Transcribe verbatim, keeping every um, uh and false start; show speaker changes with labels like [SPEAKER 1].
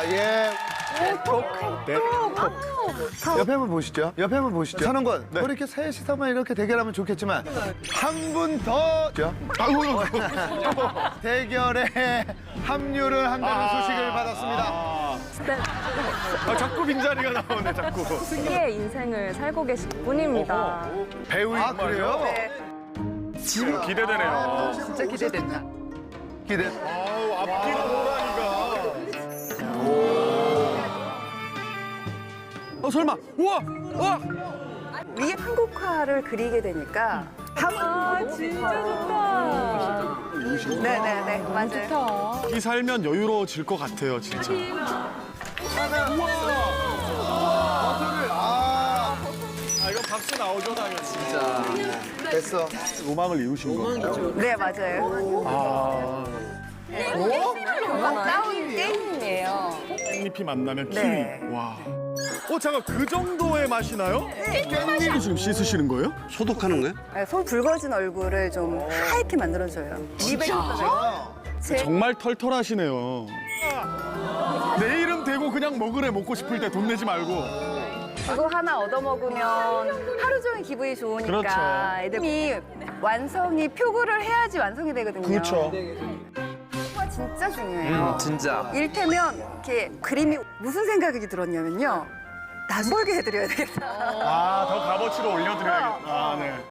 [SPEAKER 1] 예.
[SPEAKER 2] 톡.
[SPEAKER 1] 네. 옆에 한번 보시죠. 옆에 한번 보시죠. 선원권, 네. 뭐 이렇게 셋이서만 이렇게 대결하면 좋겠지만 한 분 더 대결에 합류를 한다는 소식을 받았습니다.
[SPEAKER 3] 아, 자꾸 빈자리가 나오네, 자꾸.
[SPEAKER 2] 특유의 인생을 살고 계실 분입니다.
[SPEAKER 3] 배우인
[SPEAKER 1] 아, 그래요?
[SPEAKER 2] 네.
[SPEAKER 3] 지금 기대되네요.
[SPEAKER 2] 진짜 기대된다.
[SPEAKER 1] 기대.
[SPEAKER 3] 아우, 앞뒤로 호랑이가. 어, 설마. 우와! 우와!
[SPEAKER 2] 위에 한국화를 그리게 되니까 아, 진짜 좋다. 네네네, 맞아요.
[SPEAKER 3] 이 살면 여유로워질 것 같아요, 진짜.
[SPEAKER 1] 아,
[SPEAKER 3] 아, 이거 박수 나오죠, 당연히.
[SPEAKER 1] 됐어.
[SPEAKER 3] 로망을 이루신 거죠.
[SPEAKER 2] 네, 맞아요.
[SPEAKER 3] 아,
[SPEAKER 2] 나온 게임이에요.
[SPEAKER 3] 깻잎이 만나면 키위.
[SPEAKER 2] 네.
[SPEAKER 3] 와. 어, 잠깐, 그 정도의 맛이 나요? 깻잎을 지금 씻으시는 거예요?
[SPEAKER 4] 소독하는 거예요?
[SPEAKER 2] 네, 손 붉어진 얼굴을 좀 하얗게 만들어줘요. 입에 제
[SPEAKER 3] 정말 털털하시네요. 내 이름 대고 그냥 먹으래, 먹고 싶을 때 돈 내지 말고.
[SPEAKER 2] 그거 하나 얻어먹으면 하루 종일 기분이 좋으니까
[SPEAKER 3] 그렇죠.
[SPEAKER 2] 애들이 완성이 표구를 해야지 완성이 되거든요.
[SPEAKER 3] 그렇죠.
[SPEAKER 2] 표구가 진짜 중요해요.
[SPEAKER 4] 진짜.
[SPEAKER 2] 이를테면 이렇게 그림이 무슨 생각이 들었냐면요. 낯설게 해드려야 되겠다.
[SPEAKER 3] 아, 더 값어치로 올려드려야겠다. 아, 네.